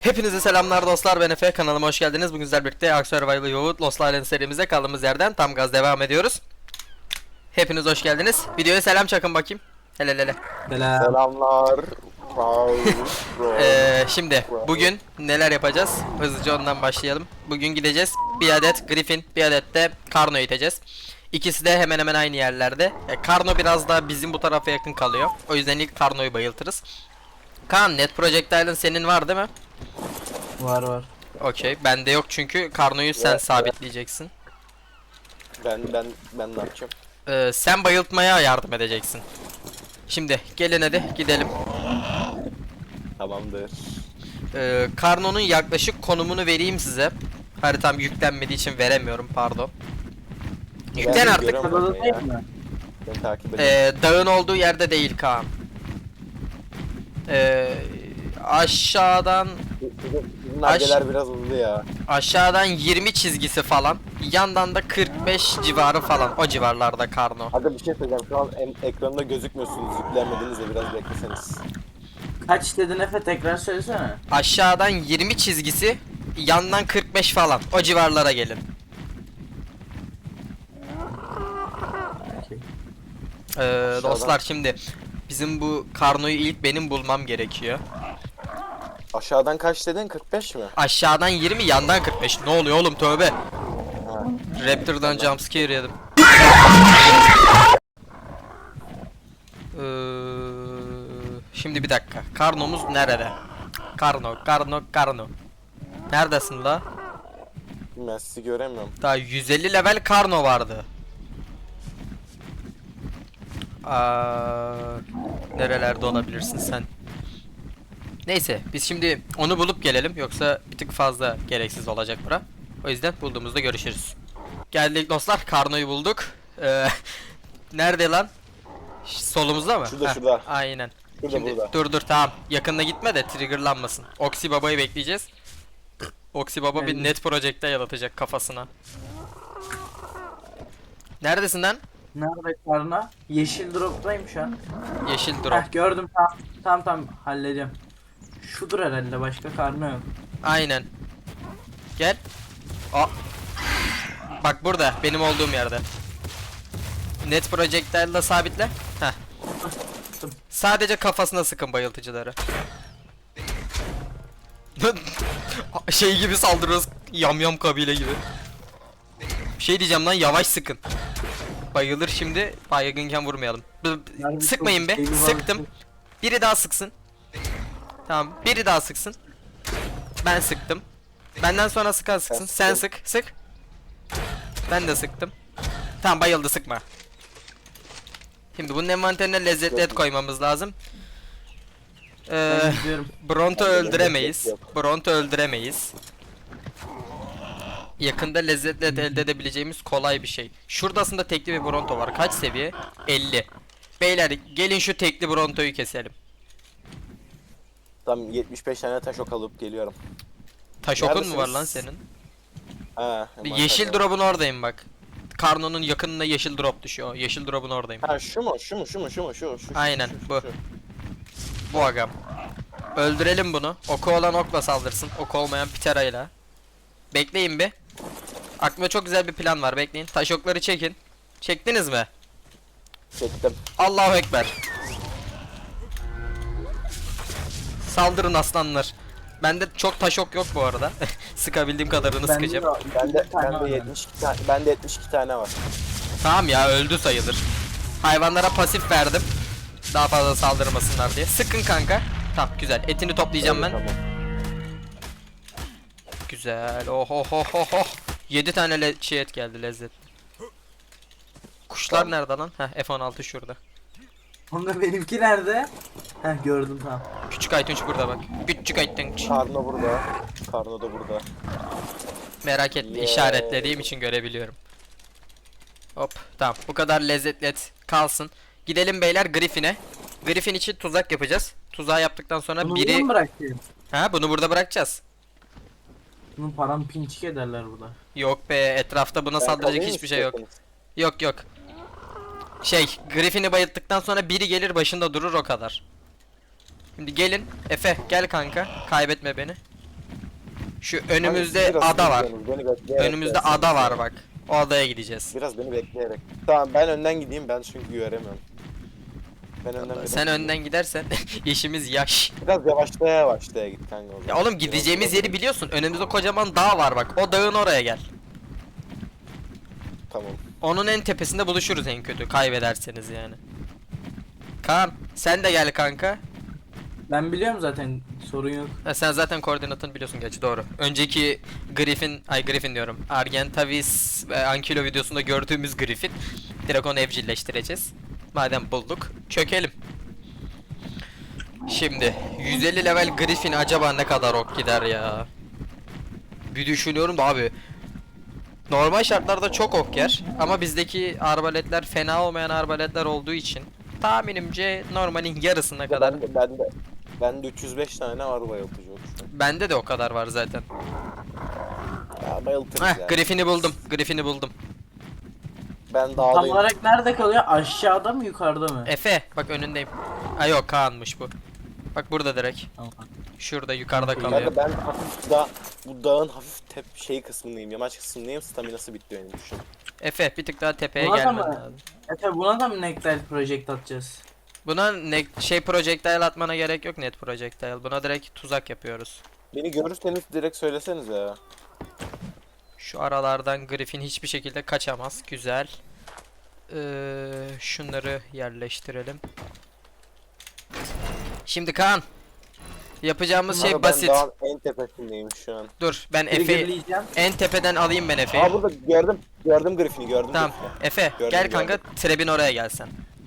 Hepinize selamlar dostlar, ben Efe, kanalıma hoş geldiniz. Bugün sizlerle birlikte Ark Survival Yoğurt Lost Island serimize kaldığımız yerden tam gaz devam ediyoruz. Hepiniz hoş geldiniz. Videoya selam çakın bakayım. Hele hele. Selam. Selamlar. Şimdi bugün neler yapacağız? Hızlıca ondan başlayalım. Bugün gideceğiz. Bir adet Griffin, bir adet de Karno iteceğiz. İkisi de hemen hemen aynı yerlerde. Karno biraz daha bizim bu tarafa yakın kalıyor. O yüzden ilk Karno'yu bayıltırız. Kaan, Net Projectile'ın senin var değil mi? Var. Okey. Bende yok çünkü Karno'yu sen Evet, sabitleyeceksin. Ben ne yapacağım? Sen bayıltmaya yardım edeceksin. Şimdi gelin hadi gidelim. Tamamdır. Karno'nun yaklaşık konumunu vereyim size. Haritam yüklenmediği için veremiyorum, pardon. Yüklen Ben artık. görüyorum Arada onu değil ya. mi? Ben takip edeyim. Dağın olduğu yerde değil Kaan. Aşağıdan Bizim nargeler biraz hızlı ya. aşağıdan 20 çizgisi falan. Yandan da 45 civarı falan. O civarlarda Karno. Hadi bir şey söyleyeceğim. Şu an ekranda gözükmüyorsunuz. Yüklenmediniz de biraz bekleseniz. Kaç dedin Efe, tekrar söylesene. Aşağıdan 20 çizgisi, yandan 45 falan. O civarlara gelin. Dostlar, şimdi bizim bu Karno'yu ilk benim bulmam gerekiyor. Aşağıdan kaç dedin? 45 mi? Aşağıdan 20, yandan 45. Ne oluyor oğlum, tövbe. Ha. Raptor'dan jumpscare yedim. Şimdi bir dakika. Karno'muz nerede? Karno. Neredesin la? Ben sizi göremiyorum. Daha 150 level Karno vardı. Nerelerde olabilirsin sen? Neyse, biz şimdi onu bulup gelelim, yoksa bir tık fazla gereksiz olacak bura. O yüzden bulduğumuzda görüşürüz. Geldik dostlar, Karno'yu bulduk. Nerede lan? Solumuzda mı? Şurada, Heh, şurada. Aynen. Burada, Şimdi burada. dur tamam. Yakında gitme de triggerlanmasın. Oxy Baba'yı bekleyeceğiz. Oxy Baba bir Yani- net projekte yalatacak kafasına. Neredesin lan? Nerede karna? Yeşil drop'tayım şu an. Yeşil drop. Gördüm, tamam hallediyorum. Şudur herhalde, başka karna yok. Aynen. Gel. Aa. Bak burada, benim olduğum yerde. Net projectile'la sabitle. Heh. Sadece kafasına sıkın bayıltıcıları. Şey gibi saldırıyoruz. Yamyam kabile gibi. Şey diyeceğim lan, yavaş sıkın. Bayılır şimdi. Baygınken vurmayalım. Yani Sıkmayın be. çok şey var. Sıktım. Biri daha sıksın. Tamam. Biri daha sıksın. Ben sıktım. Benden sonra sıkan sıksın. Sen sık. Sık. Ben de sıktım. Tamam, bayıldı, sıkma. Şimdi bunun envanterine lezzetli et koymamız lazım. Ben gidiyorum. Bronto Bende öldüremeyiz. lezzet yok. Bronto öldüremeyiz. Yakında lezzetli et elde edebileceğimiz kolay bir şey. Şurada aslında tekli bir Bronto var. Kaç seviye? 50. Beyler gelin şu tekli Bronto'yu keselim. Tam 75 tane taş ok alıp geliyorum. Taş okun mu var lan Neredesiniz? senin? Ha, Yeşil drop'un oradayım bak. Karno'nun yakınında yeşil drop düşüyor. Yeşil drop'un oradayım. Ha, şu mu? Şu. Aynen, bu. Bu agam. Öldürelim bunu. Oku olan okla saldırsın. Oku olmayan piterayla. Bekleyin bir. Aklımda çok güzel bir plan var, bekleyin. Taş okları çekin. Çektiniz mi? Çektim. Allahu Ekber. Saldırın aslanlar. Bende çok taş ok yok bu arada. Sıkabildiğim kadarını Bende sıkacağım. de- Bende tane var yani. 72 tane. Bende 72 tane var. Tamam ya, öldü sayılır. Hayvanlara pasif verdim. Daha fazla saldırmasınlar diye. Sıkın kanka. Tamam, güzel. Etini toplayacağım ben. Tamam. Güzel. Oh oh oh oh oh. 7 tane et geldi, lezzet. Kuşlar Tamam. nerede lan? Heh, F16 şurada. Onda benimki nerede? Gördüm, tamam. Küçük Aytunç burada bak. Küçük Aytunç. Karno burada. Karno da burada. Merak etme, Yeah. işaretlediğim için görebiliyorum. Hop, tamam, bu kadar lezzetli et kalsın. Gidelim beyler Griffin'e. Griffin için tuzak yapacağız. Tuzağı yaptıktan sonra Bunu biri... bunu bırakayım. Bunu burada bırakacağız. Bunun param pinçik ederler burada. Yok be, etrafta buna Ben saldıracak kalayım hiçbir şey yok. istiyorsanız. Yok. Griffin'i bayılttıktan sonra biri gelir başında durur, o kadar. Şimdi gelin. Efe gel kanka. Kaybetme beni. Şu Hani önümüzde siz biraz ada var. bekliyorsunuz, beni bekleyerek Önümüzde gelseniz ada ya. var bak. O adaya gideceğiz. Biraz beni bekleyerek. Tamam ben önden gideyim, ben çünkü göremiyorum. Ben önden biraz Sen gideyim. önden gidersen işimiz yaş. Biraz yavaşlaya yavaşlaya git kanka o Ya zaman. oğlum gideceğimiz Biraz- yeri biliyorsun. Önümüzde kocaman dağ var bak. O dağın oraya gel. Tamam. Onun en tepesinde buluşuruz en kötü. Kaybederseniz yani. Kaan sen de gel kanka. Ben biliyorum zaten, sorun yok. Ha, sen zaten koordinatını biliyorsun gerçi doğru. Önceki Griffin diyorum. Argentavis ve Ankilo videosunda gördüğümüz Griffin. Direkt onu evcilleştireceğiz. Madem bulduk çökelim. Şimdi 150 level Griffin acaba ne kadar ok gider ya? Bir düşünüyorum da abi. Normal şartlarda çok ok yer ama bizdeki arbaletler fena olmayan arbaletler olduğu için tahminimce normalin yarısına kadar. Ben de 305 tane var bayıltıcı ok şu an. Bende de o kadar var zaten. Ya bayıltırız Heh, ya. Griffin'i buldum. Ben Tam dağdayım. olarak nerede kalıyor? Aşağıda mı yukarıda mı? Efe bak önündeyim. Ay yok Kaan'mış bu. Bak burada direkt. Tamam. Şurada yukarıda Kanka, kalıyor. Kanka ben hafif bu dağın hafif şey kısmındayım, yamaç kısmındayım. Staminası bitti benim şu an. Efe bir tık daha tepeye Buna da gelmen mı? lazım. Efe buna da mı Nectar Project atacağız? Buna projectile atmana gerek yok net projectile. Buna direkt tuzak yapıyoruz. Beni görürseniz direkt söyleseniz ya. Şu aralardan Griffin hiçbir şekilde kaçamaz. Güzel. Şunları yerleştirelim. Şimdi Kaan. Yapacağımız şey Kanka basit. Ben dağın en tepesindeyim şu an. Dur ben Efe'yi Triggerleyeceğim. en tepeden alayım ben Efe'yi. Aa burada gördüm. Gördüm Griffin'i gördüm. Tamam. Griffin'i. Efe Gördüm, gel kanka Trebin oraya gelsen.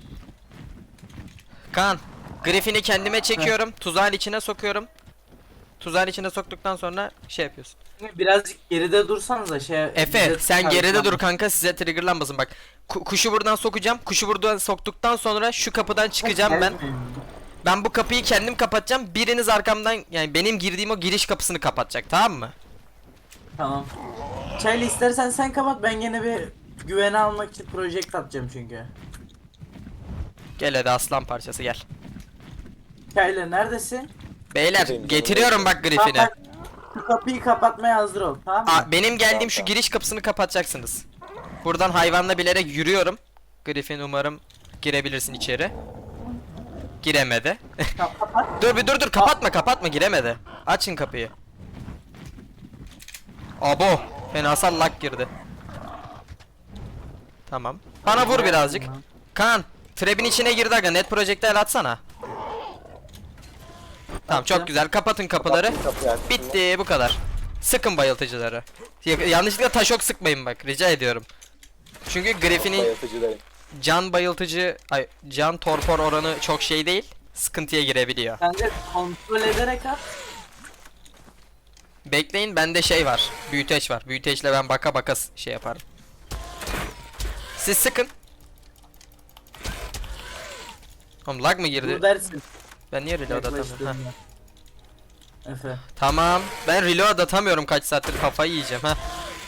Kaan Griffin'i kendime çekiyorum. Tuzağın içine sokuyorum. Tuzağın içine soktuktan sonra şey yapıyorsun. Birazcık geride dursanıza Efe bize sen geride çıkartmam. dur kanka size triggerlanmasın bak. Kuşu buradan sokacağım. Kuşu buradan soktuktan sonra şu kapıdan çıkacağım ben. Gelmeyin. Ben bu kapıyı kendim kapatacağım. Biriniz arkamdan yani benim girdiğim o giriş kapısını kapatacak tamam mı? Tamam. Çaylı istersen sen kapat, ben gene bir güvene almak için project atacağım çünkü. Gel hadi aslan parçası gel. Çaylı neredesin? Beyler Buradayım, getiriyorum bak Griffin'i. Tamam, şu kapıyı kapatmaya hazır ol, tamam mı? Benim geldiğim şu Tamam. giriş kapısını kapatacaksınız. Buradan hayvanla bilerek yürüyorum. Griffin umarım girebilirsin içeri. Giremedi. Kapat. dur kapatma giremedi. Açın kapıyı. Abo fenasal lag girdi. Tamam. Bana vur birazcık. Kaan Trebin içine girdi aga net projectile atsana. Tamam çok güzel kapatın kapıları. Kapıyı açtım. Bitti bu kadar. Sıkın bayıltıcıları. Yanlışlıkla taş ok sıkmayın bak rica ediyorum. Çünkü Griffin'in Bayıltıcıdayım. can torpor oranı çok şey değil. Sıkıntıya girebiliyor. Sen de kontrol ederek at. Bekleyin bende şey var. Büyüteç var. Büyüteçle ben baka baka şey yaparım. Siz sıkın. Oğlum lag mı girdi? Dur dersin. Ben niye reload atamıyorum? Heh. Yaklaştığında. Efe. Tamam. Ben reload atamıyorum kaç saattir kafayı yiyeceğim ha.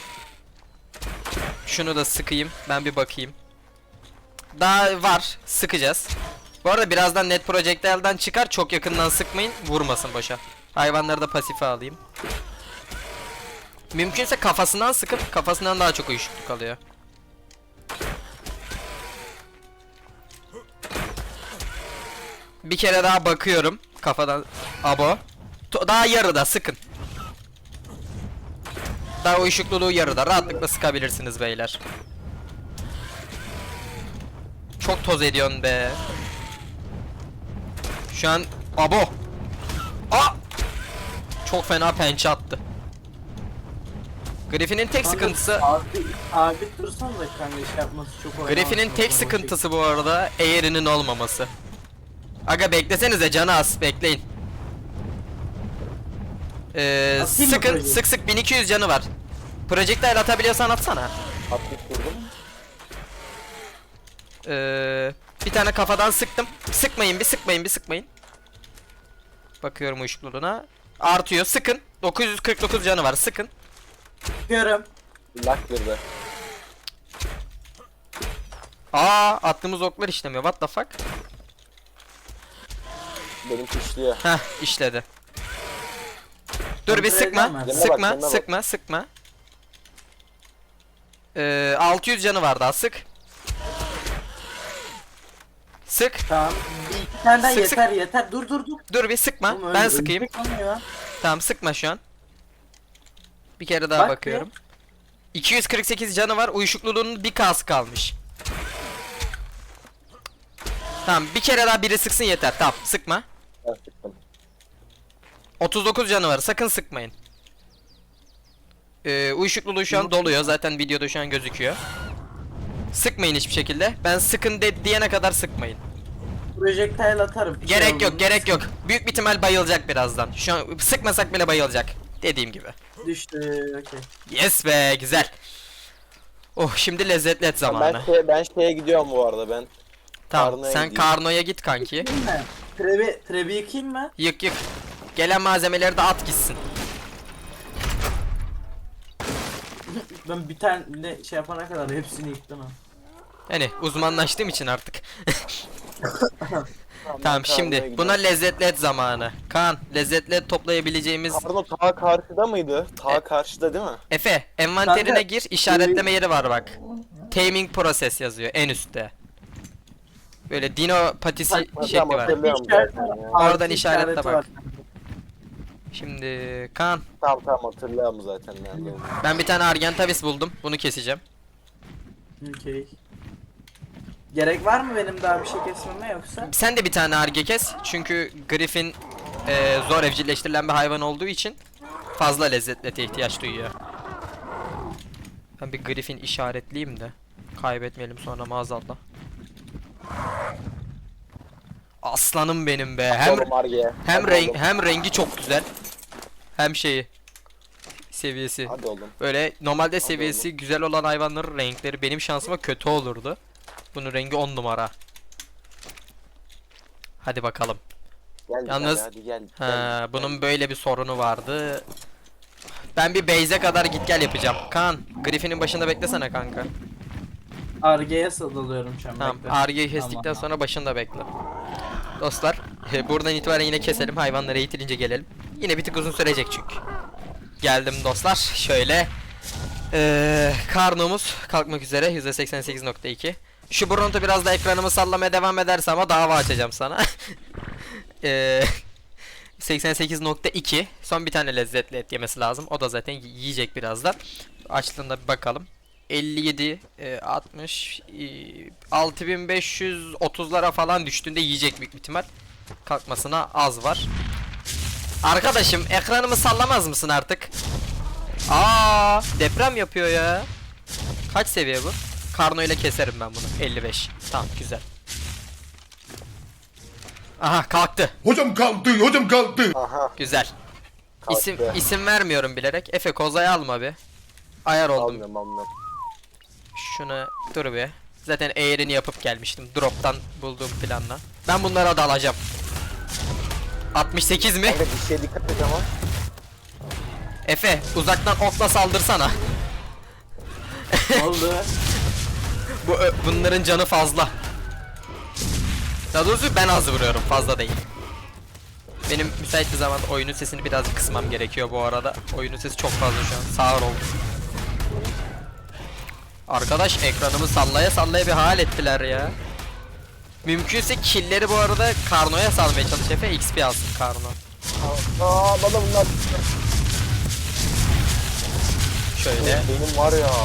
Şunu da sıkayım. Ben bir bakayım. Daha var. Sıkacağız. Bu arada birazdan net projectile'dan çıkar. Çok yakından sıkmayın. Vurmasın boşa. Hayvanları da pasife alayım. Mümkünse kafasından sıkıp kafasından daha çok uyuşukluk alıyor. Bir kere daha bakıyorum. Kafadan. Abo. Daha yarıda sıkın. Daha uyuşukluluğu yarıda. Rahatlıkla sıkabilirsiniz beyler. Çok toz ediyorsun be. Şu an abo. Aa! Çok fena pençe attı. Griffin'in tek sıkıntısı Abi dursan da kanka şey yapması çok oynaması. Griffin'in tek sıkıntısı bu arada eğerinin olmaması. Aga beklesenize canı az bekleyin. Atayım mı Sıkın project? sık 1200 canı var. Projectile atabiliyorsan atsana. Atlık durdum. Bir tane kafadan sıktım. Sıkmayın bir sıkmayın. Bakıyorum uyuşukluluğuna. Artıyor sıkın. 949 canı var sıkın. Görüm. Lak girdi. Attığımız oklar işlemiyor. What the fuck? Benim işliyor. Heh işledi. Dur bir Kontrol sıkma. edemez. Yanına bak, Sıkma, yanına bak. sıkma, sıkma. 600 canı var daha, sık. Sık. Tamam. Bir iki tane daha Sık, yeter yeter. Dur dur dur. Dur bir sıkma. Oğlum, Ben öyle sıkayım. ölecek olmuyor. Tamam, sıkma şu an. Bir kere daha Bak bakıyorum. 248 canı var. Uyuşukluluğunun bir kası kalmış. Tamam, bir kere daha biri sıksın yeter. Tamam, sıkma. Ben sıktım. 39 canı var. Sakın sıkmayın. Uyuşukluluğu şu an doluyor. Zaten videoda şu an gözüküyor. Sıkmayın hiçbir şekilde. Ben sıkın diyene kadar sıkmayın. Projektile atarım. Bir şey Gerek olmaz. yok, gerek yok. Büyük bir ihtimal bayılacak birazdan. Şu an sıkmasak bile bayılacak. Dediğim gibi. Düştü. Okey. Yes be, güzel. Oh, şimdi lezzetli et zamanı. Ben şeye gidiyorum bu arada ben. Tamam, Karno'ya sen gideyim. Karno'ya git kanki. Yıkayım mı? Trebi yıkayım mı? Yık yık. Gelen malzemeleri de at gitsin. Ben bir tane de şey yapana kadar hepsini yıktım ha. Yani uzmanlaştığım için artık. ben Tamam, Karno'ya şimdi gidiyorum. buna lezzetli et zamanı. Kaan, lezzetli et toplayabileceğimiz... Karno ta karşıda mıydı? Ta karşıda değil mi? Efe, envanterine Kanka, gir, işaretleme yeri var bak. Taming process yazıyor en üstte. Böyle dino patisi şekli var. hatırlıyorum İşaret- zaten ya. Oradan Artı işaretle işareti bak. var. Şimdi Kaan, Tamam hatırlıyorum zaten nerede olduğunu. ben bir tane Argentavis buldum. Bunu keseceğim. Okey. Gerek var mı benim daha bir şey kesmeme yoksa? Sen de bir tane Arge kes. Çünkü Griffin zor evcilleştirilen bir hayvan olduğu için fazla lezzetli ete ihtiyaç duyuyor. Ben bir Griffin işaretleyeyim de kaybetmeyelim sonra maazallah. Aslanım benim be. Atıyorum Arge'ye. Hadi oğlum. Hem rengi çok güzel. Hem şeyi seviyesi. Hadi oğlum. Böyle normalde seviyesi güzel olan hayvanların renkleri benim şansıma kötü olurdu. Bunun rengi 10 numara. Hadi bakalım. Gel bir Yalnız- tane, hadi gel. Ha, bunun böyle bir sorunu vardı. Ben bir base'e kadar git gel yapacağım. Kaan, Griffin'in başında beklesene kanka. Arge'ye dalıyorum şu an. Tamam, bekle. Arge'yi kestikten Tamam. sonra başında bekle. Dostlar, buradan itibaren yine keselim. Hayvanları eğitilince gelelim. Yine bir tık uzun sürecek çünkü. Geldim dostlar. Şöyle. Karnomuz kalkmak üzere. %88.2. Şu Bronto biraz da ekranımı sallamaya devam ederse ama dava açacağım sana. 88.2. Son bir tane lezzetli et yemesi lazım. O da zaten yiyecek birazdan. Açtığında bir bakalım. 57, 60, 6530'lara falan düştüğünde yiyecek büyük bir ihtimal. Kalkmasına az var. Arkadaşım, ekranımı sallamaz mısın artık? Aa, deprem yapıyor ya. Kaç seviye bu? Karno ile keserim ben bunu. 55. Tamam, güzel. Aha, kalktı. Hocam kalktı, hocam kalktı. Aha. Güzel. İsim Kalktı. isim vermiyorum bilerek. Efe, kozayı alma bir. Ayar oldum. Almıyorum. Şunu dur bir. Zaten eğerini yapıp gelmiştim. Drop'tan bulduğum planla. Ben bunlara da alacağım. 68 mi? Kanka bir şeye dikkat et ama. Efe, uzaktan okla saldırsana. Ne oldu? Bunların canı fazla. Daha doğrusu ben az vuruyorum, fazla değil. Benim müsait bir zamanda oyunun sesini biraz kısmam gerekiyor bu arada. Oyunun sesi çok fazla şu an. Sağır oldu. Arkadaş, ekranımı sallaya sallaya bir hal ettiler ya. Mümkünse killleri bu arada Karno'ya salmaya çalış Efe, XP alsın Karno. Aa bana bunlar. Şöyle. Benim var ya.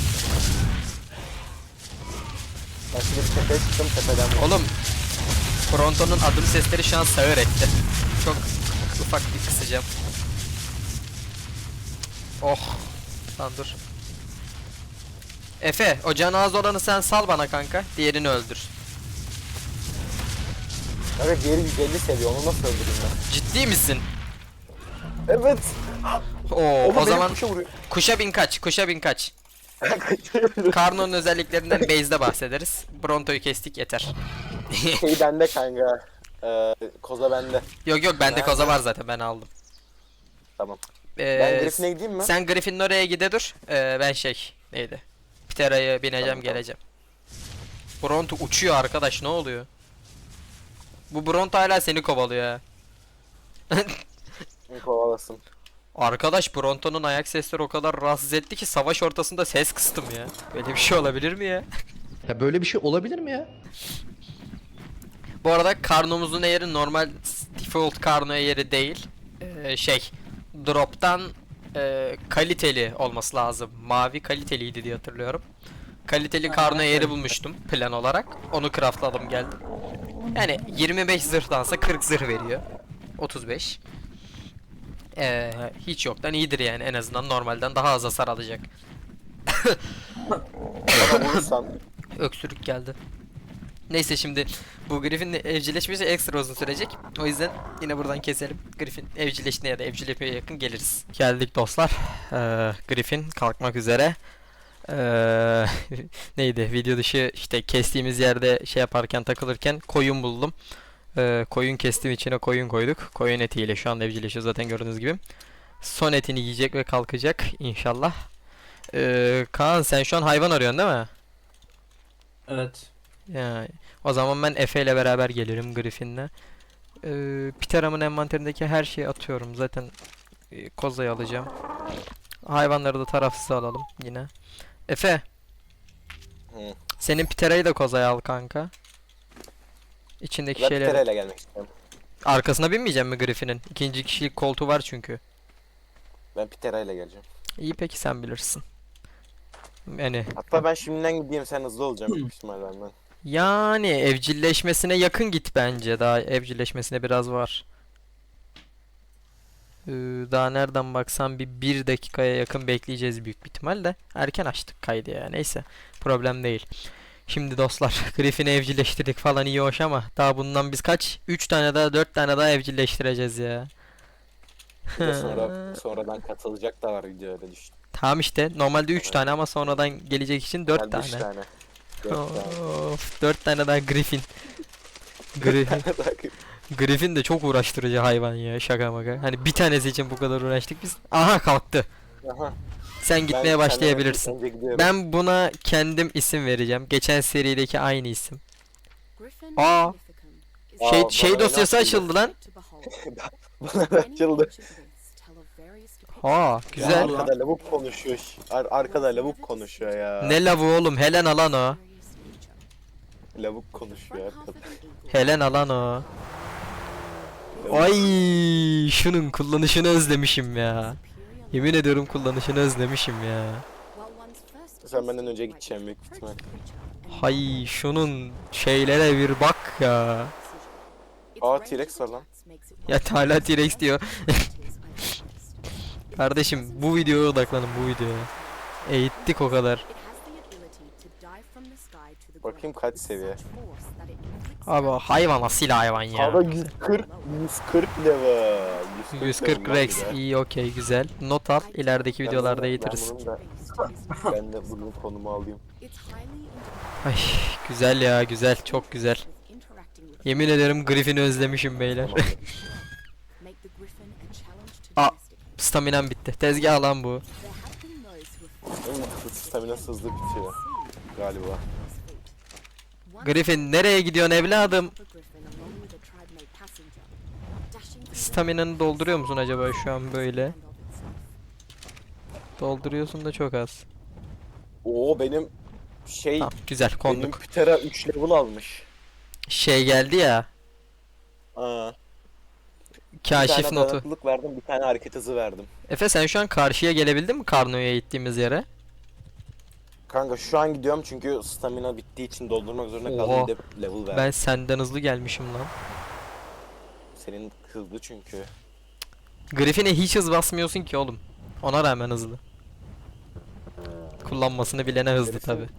Ben şimdi bir tepeye çıktım tepeden. Oğlum, Fronto'nun adım sesleri şu an sağır etti. Çok ufak bir kısacağım. Oh. Lan dur. Efe, o canı az olanı sen sal bana kanka. Diğerini öldür. Kanka diğeri 150 seviyor, onu nasıl öldüreyim ben? Ciddi misin? Evet. Oo, Oğlum o benim zaman kuşa vuruyor. kuşa bin kaç, kuşa bin kaç. Karno'nun özelliklerinden base'de bahsederiz. Bronto'yu kestik yeter. Şey bende kanka. Koza bende. Yok yok, bende Nerede? koza var zaten, ben aldım. Tamam. Ben Griffin'e gideyim mi? Sen Griffin'in oraya gide dur. Ben neydi? Ptera'ya bineceğim, Tamam. geleceğim. Bronto uçuyor arkadaş, ne oluyor? Bu Bronto hala seni kovalıyor ha. Kovalasın. Arkadaş Bronto'nun ayak sesleri o kadar rahatsız etti ki savaş ortasında ses kıstım ya. Böyle bir şey olabilir mi ya? Ya böyle bir şey olabilir mi ya? Bu arada karnomuzun eğeri normal default karno eğeri değil. Drop'tan kaliteli olması lazım. Mavi kaliteliydi diye hatırlıyorum. Kaliteli karno eğeri bulmuştum plan olarak. Onu craftladım geldim. Yani 25 zırhtansa 40 zırh veriyor. 35. Hiç yoktan iyidir yani, en azından normalden daha az hasar alacak. Bana vurursan Öksürük geldi. Neyse, şimdi bu Griffin'le evcilleşmesi ekstra uzun sürecek. O yüzden yine buradan keselim. Griffin evcilleştiğine ya da evcilleşmeye yakın geliriz. Geldik dostlar. Griffin kalkmak üzere. Neydi? Video dışı işte kestiğimiz yerde şey yaparken, takılırken koyun buldum. Koyun kestim, içine koyun koyduk. Koyun etiyle şu anda evcilleşiyor zaten, gördüğünüz gibi. Son etini yiyecek ve kalkacak inşallah. Kaan, sen şu an hayvan arıyorsun değil mi? Evet. Ya, o zaman ben Efe ile beraber gelirim Griffin'le. Piteram'ın envanterindeki her şeyi atıyorum. Zaten kozayı alacağım. Hayvanları da tarafsız alalım yine. Efe, Hı. senin Pitera'yı da kozaya al kanka. İçindeki ben şeyleri. Pitera'yla gelmek istiyorum. Arkasına binmeyeceğim mi Griffin'in? İkinci kişilik koltuğu var çünkü. Ben Pitera'yla geleceğim. İyi, peki sen bilirsin. Yani Hatta ben şimdiden gideyim, sen hızlı olacaksın büyük ihtimal benden. yani evcilleşmesine yakın git bence. Daha evcilleşmesine biraz var. Daha nereden baksan bir dakikaya yakın bekleyeceğiz büyük bir ihtimalle. Erken açtık kaydı ya. Neyse. Problem değil. Şimdi dostlar, Griffin'i evcilleştirdik falan, iyi hoş ama daha bundan biz kaç? 3 tane daha 4 tane daha evcilleştireceğiz ya. Bir de sonradan katılacak da var, video öyle düştü. Tamam işte. Normalde 3 tane ama sonradan gelecek için 4 Ben de üç tane. tane. 4 tane. Of, 4 tane daha Griffin. Griffin de çok uğraştırıcı hayvan ya, şaka maka. Hani bir tanesi için bu kadar uğraştık biz. Aha, kalktı. Aha. Sen Ben gitmeye senden başlayabilirsin. önce gidiyorum. Ben buna kendim isim vereceğim. Geçen serideki aynı isim. Aa, Aa, şey bana dosyası öyle açıldı lan. Bana da açıldı. Ha, güzel. Ya, Arkada lavuk konuşuyor. Arkada lavuk konuşuyor ya. Ne lavu oğlum? Helen alan o. Lavuk konuşuyor arkada. Helen alan o. Ay, şunun kullanışını özlemişim ya. Yemin ediyorum kullanışını özlemişim ya. Sen benden önce gideceğim büyük ihtimal. Hay, şunun şeylere bir bak ya. Aa, T-Rex var lan. Ya hala T-Rex diyor. Kardeşim, bu videoya odaklanın, bu videoya. Eğittik o kadar. Bakayım kaç seviye. Abi o hayvan asil hayvan ya. Hava 140 level. 140 level Rex, lan bir de. iyi, okey, güzel. Not al, ilerideki videolarda eğitiriz. Ben de bunun konumu alayım. Ay, güzel ya, güzel, çok güzel. Yemin ederim Griffin'i özlemişim beyler. Aa, staminam bitti. Tezgah lan bu. Benim staminası hızlı bitiyor galiba. Griffin, nereye gidiyorsun evladım? Staminanı dolduruyor musun acaba şu an böyle? Dolduruyorsun da çok az. Oo, benim şey, Tamam, güzel, benim konduk. Ptera 3 level almış. Şey geldi ya, Aa, bir kaşif tane notu. dayanıklılık verdim, bir tane hareket hızı verdim. Efe, sen şu an karşıya gelebildin mi Karno'ya gittiğimiz yere? Kanka şu an gidiyorum çünkü stamina bittiği için doldurmak zorunda Oha. kaldım, bir de level verdim. Ben senden hızlı gelmişim lan. Senin hızlı çünkü. Griffin'e hiç hız basmıyorsun ki oğlum. Ona rağmen hızlı. Kullanmasını bilene hızlı Griffin- tabi.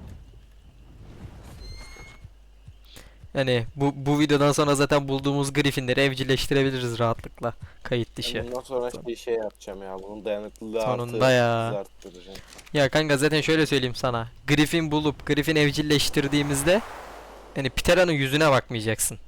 Yani bu videodan sonra zaten bulduğumuz Griffin'leri evcilleştirebiliriz rahatlıkla. Kayıt dışı. Bundan sonra şey yapacağım ya, bunun dayanıklılığı Sonunda artı ya. hızı arttıracağım. Ya kanka, zaten şöyle söyleyeyim sana. Griffin bulup Griffin evcilleştirdiğimizde hani Ptera'nın yüzüne bakmayacaksın.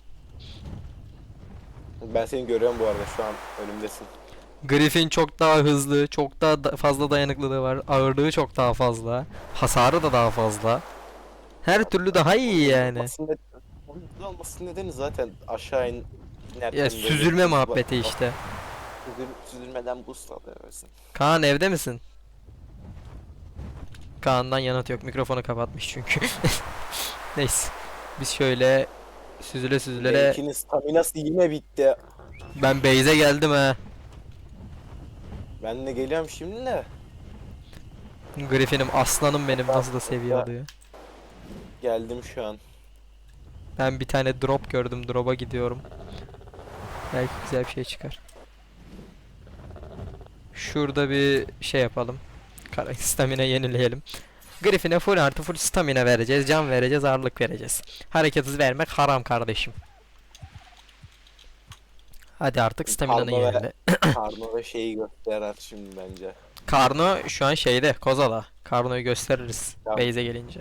Ben seni görüyorum bu arada, şu an önümdesin. Griffin çok daha hızlı, çok daha fazla dayanıklılığı var. Ağırlığı çok daha fazla. Hasarı da daha fazla. Her türlü daha iyi yani. Aslında onun hızlı olmasının nedeni zaten aşağı in. Ya süzülme muhabbeti işte. Süzülmeden boost alıyorsun. Kaan evde misin? Kaan'dan yanıt yok. Mikrofonu kapatmış çünkü. Neyse. Biz şöyle süzüle süzüle Benimkinin staminası yine bitti. ben base'e geldim ha. Ben de geliyorum şimdi de. Griffin'im aslanım benim nasıl da seviye alıyor. Geldim şu an. Ben bir tane drop gördüm. Drop'a gidiyorum. Belki güzel bir şey çıkar. Şurada bir şey yapalım. Stamina yenileyelim. Griffin'e full artı full stamina vereceğiz. Can vereceğiz. Ağırlık vereceğiz. Hareket hızı vermek haram kardeşim. Hadi artık stamina'nı Karno ve- yenile. Karno ve şeyi gösterir şimdi bence. Karno şu an şeyde. Kozala. Karno'yu gösteririz. Tamam. Base'e gelince.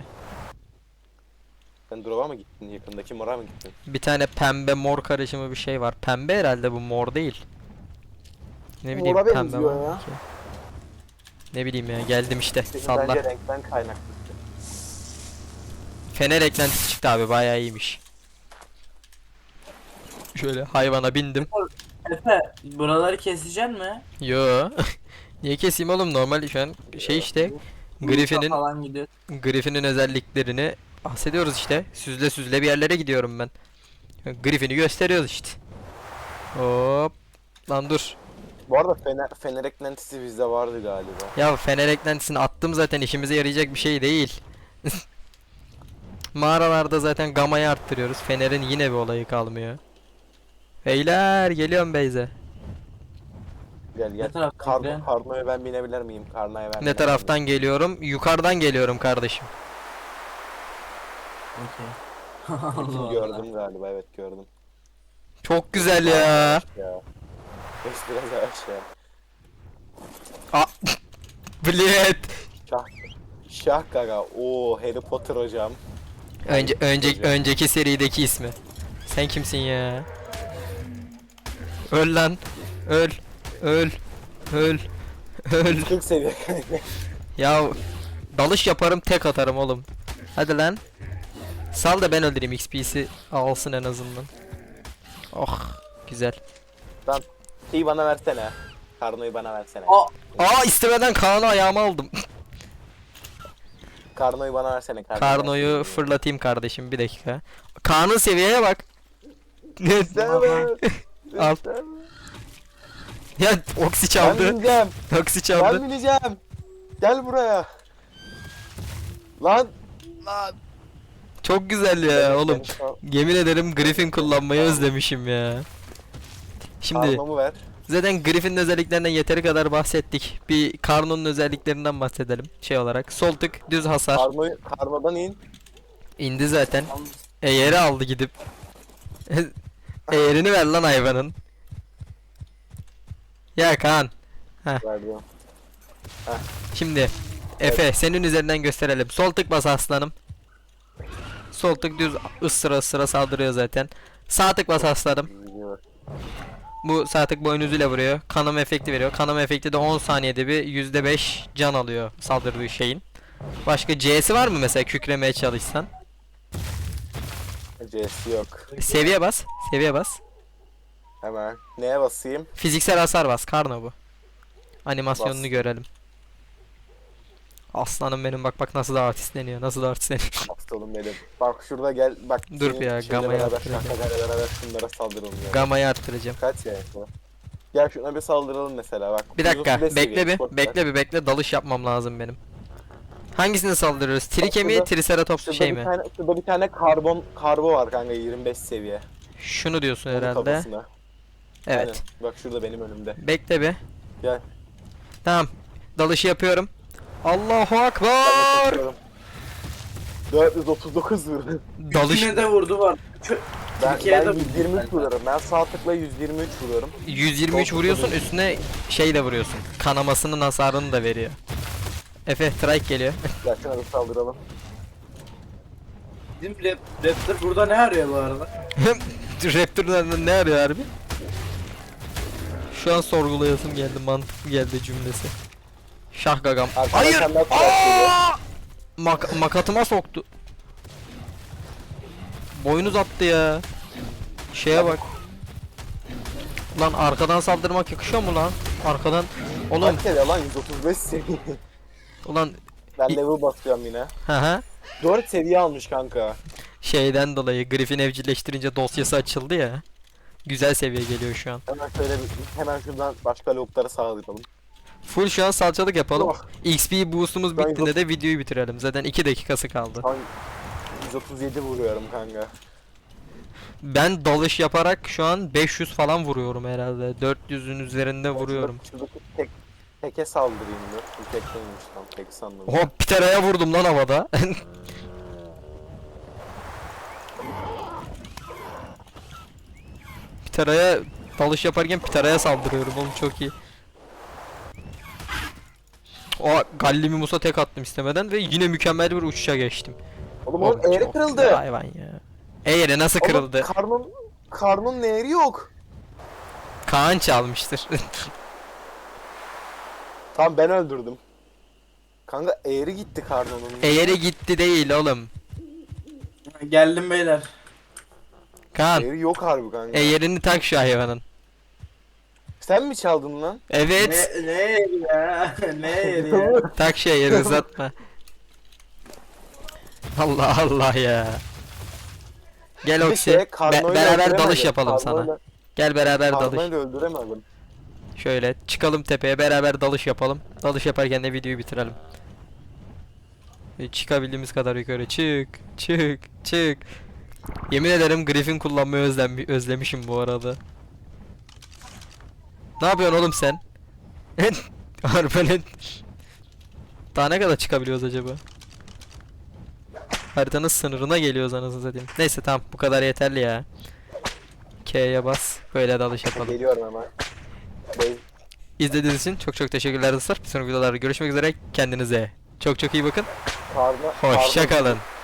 Sen drop'a mı gittin? Yakındaki mora mı gittin? Bir tane pembe mor karışımı bir şey var. Pembe herhalde bu, mor değil. Ne bileyim Mora pembe benziyor var ya. ki. Ne bileyim ya, geldim işte. Senin Salla. bence renkten kaynaklı. Fener eklentisi çıktı abi, bayağı iyiymiş. Şöyle hayvana bindim. Efe buraları keseceksin mi? Yo. Niye keseyim oğlum, normal şu an şey işte. Uçak Griffin'in falan gidiyor. Griffin'in özelliklerini bahsediyoruz işte. Süzle süzle bir yerlere gidiyorum ben. Griffin'i gösteriyoruz işte. Hop. Lan dur. Bu arada fener eklentisi bizde vardı galiba. Ya fener eklentisini attım zaten, işimize yarayacak bir şey değil. Mağaralarda zaten gamayı arttırıyoruz. Fener'in yine bir olayı kalmıyor. Beyler geliyorum Beyze. Gel Ne gel. taraftan gidiyorsun? Karno'ya ben binebilir miyim? Karno'ya ben Ne binebilir taraftan miyim? geliyorum? Yukarıdan geliyorum kardeşim. Okey. Bütün Allah Allah. gördüm galiba, evet gördüm. Çok güzel ya. Ya. Beş biraz yavaş ya. Aa, Bled. Şah. Şah gaga. Oo, Harry Potter hocam. Önceki serideki ismi. Sen kimsin ya? Öl lan. Öl. Öl. Öl. Öl. 40 seviye. Ya dalış yaparım, tek atarım oğlum. Hadi lan. Sal da ben öldüreyim, XP'si alsın en azından. Oh güzel. Lan şeyi bana versene. Karno'yu bana versene. Aa istemeden Kaan'ı ayağıma aldım. Karno'yu bana versene. Karno'yu fırlatayım kardeşim, bir dakika. Kaan'ın seviyeye bak. Al. Ya Oksi Ben çaldı. bineceğim. Oksi Ben çaldı. bineceğim. Gel buraya. Lan. Lan. Çok güzel ya oğlum. Ben- Yemin ederim Griffin kullanmayı özlemişim ya. Şimdi Karno'mu ver. zaten Griffin'in özelliklerinden yeteri kadar bahsettik. Bir Karno'nun özelliklerinden bahsedelim. Şey olarak sol tık düz hasar. Karno'dan in. İndi zaten. Eğeri aldı gidip. Eğerini ver lan hayvanın. Ya Kaan. Verdim. Şimdi Efe senin üzerinden gösterelim. Sol tık bas aslanım. Sol tık düz ısıra ısıra saldırıyor zaten. Sağ tık bas aslanım. Bu sağ tık boynuzuyla vuruyor. Kanama efekti veriyor. Kanama efekti de 10 saniyede bir %5 can alıyor saldırdığı şeyin. Başka C'si var mı mesela, kükremeye çalışsan? C'si yok. Seviye bas. Seviye bas. Hemen. Neye basayım? Fiziksel hasar bas. Karno bu. Animasyonunu Bas. görelim. Aslanım benim, bak bak nasıl da artistleniyor. Nasıl da artistleniyor. Aptalım benim. Bak şurada gel. Bak. Dur senin ya, şeyle gamayı beraber, arttıracağım. şarkılarla beraber şunlara saldıralım ya. Gamayı arttıracağım. Kaç ya bu? Gel şuna bir saldıralım mesela bak. Bir dakika 135 bekle seviye, bir. sport Bekle bir bekle, dalış yapmam lazım benim. Hangisini saldırıyoruz? Trike mi, şurada- Triceratops Şurada şey bir mi? tane, şurada bir tane karbo var kanka, 25 seviye. Şunu diyorsun Onun herhalde. kafasına. Evet. Aynen. Bak şurada benim önümde. Bekle bir. Gel. Tamam. Dalışı yapıyorum. Allahu Ben de Akbar. tutuyorum. 439 vurdum. Dalış Yine de vurdu var. Ben Türkiye'de 123 vuruyorum. Ben sağ tıkla 123 vuruyorum. 123 vuruyorsun, üstüne şey de vuruyorsun. Kanamasının hasarını da veriyor. Efe trike geliyor. Gel şuna bir saldıralım. Bizim Raptor burada ne arıyor bu arada? Raptor'dan ne arıyor harbi? Şu an sorgulayasım geldi, mantıklı geldi cümlesi. Şah gagam. Arkadan Hayır! sen daha trike geliyor. Aa! Makatıma soktu. Boynuz attı ya. Şeye bak. Lan arkadan saldırmak yakışıyor mu lan? Arkadan. Oğlum Kaç kere lan 135 seviye. ulan Ben level basıyorum yine. hı hı. 4 seviye almış kanka. Şeyden dolayı Griffin evcilleştirince dosyası açıldı ya. Güzel seviye geliyor şu an. Hemen şöyle hemen şuradan başka lavukları sağlayalım. Full şu an salçalık yapalım. Oh. XP boost'umuz Ben bittiğinde de videoyu bitirelim. Zaten 2 dakikası kaldı. Şu an 137 vuruyorum kanka. Ben dalış yaparak şu an 500 falan vuruyorum herhalde. 400'ün üzerinde vuruyorum. Şuradaki teke saldırayım mı? Bu tek değilmiş tam tek sandım. Hop Pitera'ya vurdum lan havada. Pitera'ya dalış yaparken Pitera'ya saldırıyorum oğlum çok iyi. O Gallimimus'a tek attım istemeden ve yine mükemmel bir uçuşa geçtim. Oğlum onun eğri çok güzel kırıldı. hayvan ya. Eğri nasıl Oğlum, kırıldı? karnın eğri yok. Kaan çalmıştır. Tamam ben öldürdüm. Kanka eğri gitti karnının. Eğri gitti değil oğlum. Geldim beyler. Kaan Eğri yok harbi kanka. eğerini tak şu hayvanın. Sen mi çaldın lan? Evet. Ne yeri ya? Ne yeri ya? Tak şu eğeri uzatma. Allah Allah ya. Gel Bir de Oksi. Karno'yu Beraber öldüremedim. dalış yapalım sana. Karno'yla- Gel beraber dalış. Karno'yu da öldüremedim. Şöyle çıkalım tepeye beraber dalış yapalım. Dalış yaparken de videoyu bitirelim. Çıkabildiğimiz kadar yukarı çık çık çık. Yemin ederim Griffin kullanmayı özlemişim bu arada. Ne yapıyorsun oğlum sen? Arbalet. Daha ne kadar çıkabiliyoruz acaba? Haritanın sınırına geliyoruz anasını satayım. Neyse tamam bu kadar yeterli ya. K'ye bas. Böyle dalış yapalım. Geliyorum hemen. Bey, İzlediğiniz için çok çok teşekkürler dostlar. Bir sonraki videolarda görüşmek üzere. Kendinize çok çok iyi bakın. karnı... Hoşça kalın.